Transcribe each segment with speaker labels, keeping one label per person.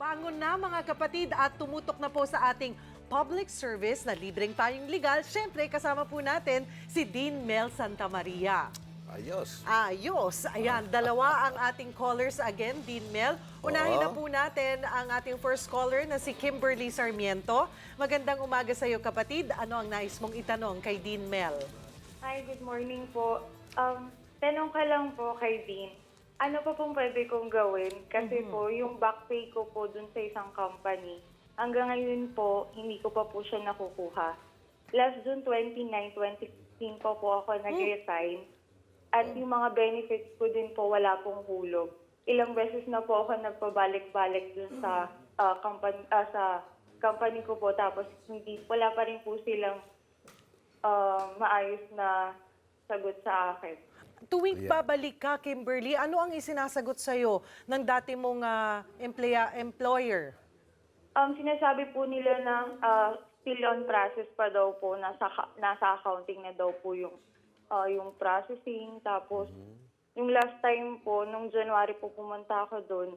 Speaker 1: Bangon na mga kapatid at tumutok na po sa ating public service na libreng payong legal. Siyempre, kasama po natin si Dean Mel Santamaria.
Speaker 2: Ayos.
Speaker 1: Ayos. Ayan, dalawa ang ating callers again, Dean Mel. Unahin na
Speaker 2: Oo.
Speaker 1: po natin ang ating first caller na si Kimberly Sarmiento. Magandang umaga sa iyo kapatid. Ano ang nais mong itanong kay Dean Mel?
Speaker 3: Hi, good morning po. Tanong ka lang po kay Dean. Ano pa pong pwede kong gawin? Kasi po, yung back pay ko po dun sa isang company, hanggang ngayon po, hindi ko pa po siya nakukuha. Last June 29, 2016 po ako nag-resign. At yung mga benefits ko din po, wala pong hulog. Ilang beses na po ako nagpabalik-balik dun sa company ko po. Tapos wala pa rin po silang maayos na sagot sa akin.
Speaker 1: Tuwing babalik ka, Kimberly, ano ang isinasagot sa'yo ng dati mong employer?
Speaker 3: Sinasabi po nila na still on process pa daw po, nasa accounting na daw po yung processing. Tapos, yung last time po, nung January po pumunta ako doon,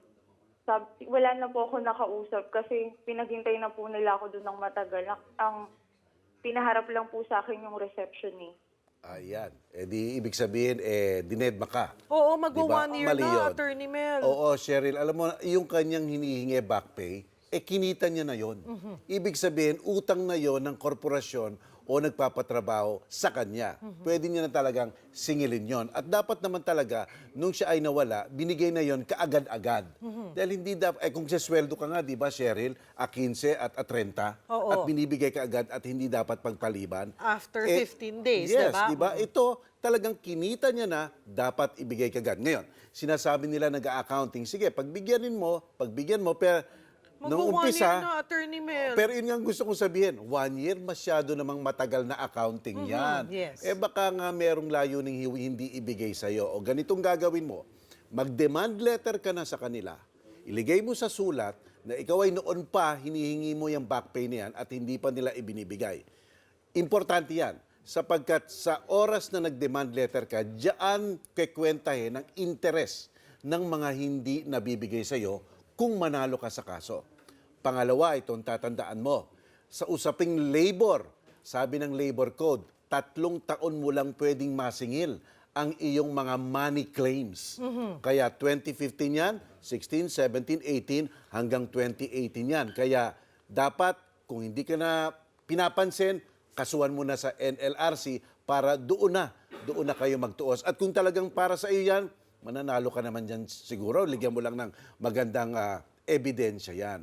Speaker 3: wala na po ako nakausap kasi pinaghintay na po nila ako doon ng matagal. Ang pinaharap lang po sa akin yung reception eh.
Speaker 2: Ayan. Di ibig sabihin, dinedma ka.
Speaker 1: Oo,
Speaker 2: Diba?
Speaker 1: mag-1 year
Speaker 2: Mali
Speaker 1: na,
Speaker 2: yun.
Speaker 1: Attorney Mel.
Speaker 2: Oo, Cheryl, alam mo, yung kanyang hinihingi back pay, kinita niya na yon. Ibig sabihin, utang na yon ng korporasyon o nagpapatrabaho sa kanya. Pwede niya na talagang singilin yon. At dapat naman talaga, nung siya ay nawala, binigay na yon kaagad-agad. Dahil hindi dapat, kung sisweldo ka nga, di ba, Cheryl, 15 at 30,
Speaker 1: Oo.
Speaker 2: at binibigay kaagad at hindi dapat pagpaliban.
Speaker 1: After 15 days,
Speaker 2: yes,
Speaker 1: diba?
Speaker 2: Di ba? Ito, talagang kinita niya na, dapat ibigay kaagad. Ngayon, sinasabi nila nag-accounting, sige, pagbigyan mo, pero nung
Speaker 1: Mag-1
Speaker 2: umpisa,
Speaker 1: year na, Attorney Mel.
Speaker 2: pero yun nga ang gusto kong sabihin, 1 year masyado namang matagal na accounting yan.
Speaker 1: yes.
Speaker 2: Baka nga merong layuning hindi ibigay sa'yo. O ganitong gagawin mo, mag-demand letter ka na sa kanila, iligay mo sa sulat na ikaw ay noon pa hinihingi mo yung back pay na yan at hindi pa nila ibinibigay. Importante yan, sapagkat sa oras na nag-demand letter ka, diyan kekwentahin ang interes ng mga hindi nabibigay sa'yo kung manalo ka sa kaso. Pangalawa, itong tatandaan mo, sa usaping labor, sabi ng labor code, 3 taon mo lang pwedeng masingil ang iyong mga money claims. Kaya 2015 yan, 16, 17, 18, hanggang 2018 yan. Kaya dapat, kung hindi ka na pinapansin, kasuhan mo na sa NLRC para doon na kayo magtuos. At kung talagang para sa iyo yan, mananalo ka naman dyan siguro. Ligyan mo lang ng magandang ebidensya yan.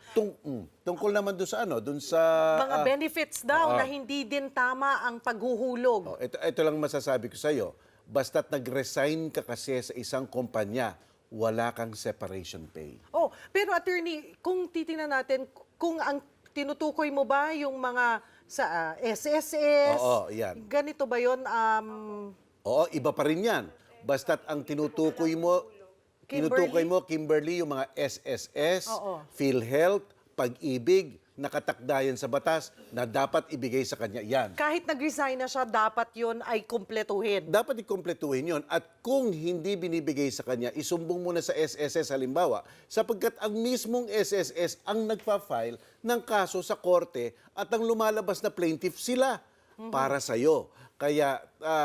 Speaker 2: Tungkol naman doon sa doon sa...
Speaker 1: Mga benefits daw na hindi din tama ang paghuhulog.
Speaker 2: Ito lang masasabi ko sa iyo. Basta't nag-resign ka kasi sa isang kumpanya, wala kang separation pay.
Speaker 1: Pero attorney, kung titingnan natin, kung ang tinutukoy mo ba yung mga sa SSS,
Speaker 2: Oo, yan.
Speaker 1: ganito ba yun?
Speaker 2: Oo, iba pa rin yan. Basta't ang tinutukoy mo, Kimberly, yung mga SSS,
Speaker 1: Oo.
Speaker 2: PhilHealth, Pag-ibig, nakatakda yan sa batas na dapat ibigay sa kanya yan.
Speaker 1: Kahit nag-resign na siya, dapat yun ay kumpletuhin.
Speaker 2: Dapat ikumpletuhin yon. At kung hindi binibigay sa kanya, isumbong mo na sa SSS halimbawa, sapagkat ang mismong SSS ang nagpa-file ng kaso sa korte at ang lumalabas na plaintiff sila para sa'yo. Kaya,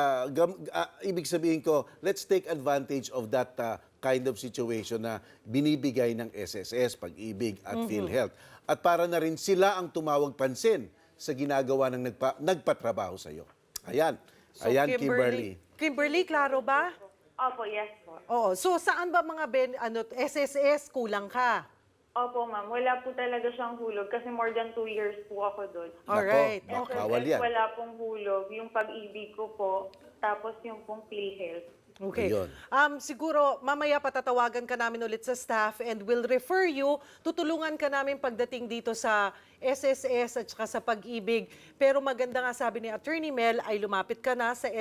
Speaker 2: ibig sabihin ko, let's take advantage of that kind of situation na binibigay ng SSS, Pag-ibig at PhilHealth. At para na rin sila ang tumawag pansin sa ginagawa ng nagpatrabaho sa iyo. Ayan.
Speaker 1: So,
Speaker 2: Ayan, Kimberly.
Speaker 1: Kimberly, klaro ba?
Speaker 3: Opo, yes po.
Speaker 1: Oo. So, saan ba mga SSS kulang ka?
Speaker 3: Opo, ma'am. Wala po talaga siyang hulog kasi more than 2 years po ako doon.
Speaker 1: Alright.
Speaker 2: Nako, bawal yan.
Speaker 3: Wala pong hulog. Yung Pag-ibig ko po, tapos yung pong PhilHealth.
Speaker 1: Okay.
Speaker 2: Ayun.
Speaker 1: Siguro, mamaya patatawagan ka namin ulit sa staff and we'll refer you. Tutulungan ka namin pagdating dito sa SSS at saka sa Pag-ibig. Pero maganda nga sabi ni Attorney Mel ay lumapit ka na sa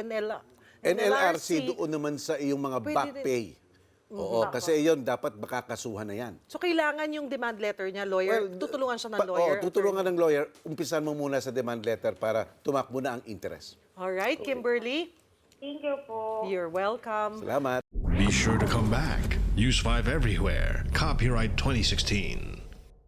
Speaker 2: NLRC doon naman sa iyong mga
Speaker 1: Pwede
Speaker 2: back
Speaker 1: rin.
Speaker 2: pay. Oo, kasi iyon dapat makakasuhan na yan.
Speaker 1: So, kailangan yung demand letter niya, lawyer. Tutulungan siya ng lawyer.
Speaker 2: Tutulungan ng lawyer. Umpisan mo muna sa demand letter para tumakbo na ang interest.
Speaker 1: Alright, Kimberly.
Speaker 3: Thank you po.
Speaker 1: You're welcome.
Speaker 2: Salamat.
Speaker 4: Be sure to come back. Use 5 everywhere. Copyright 2016.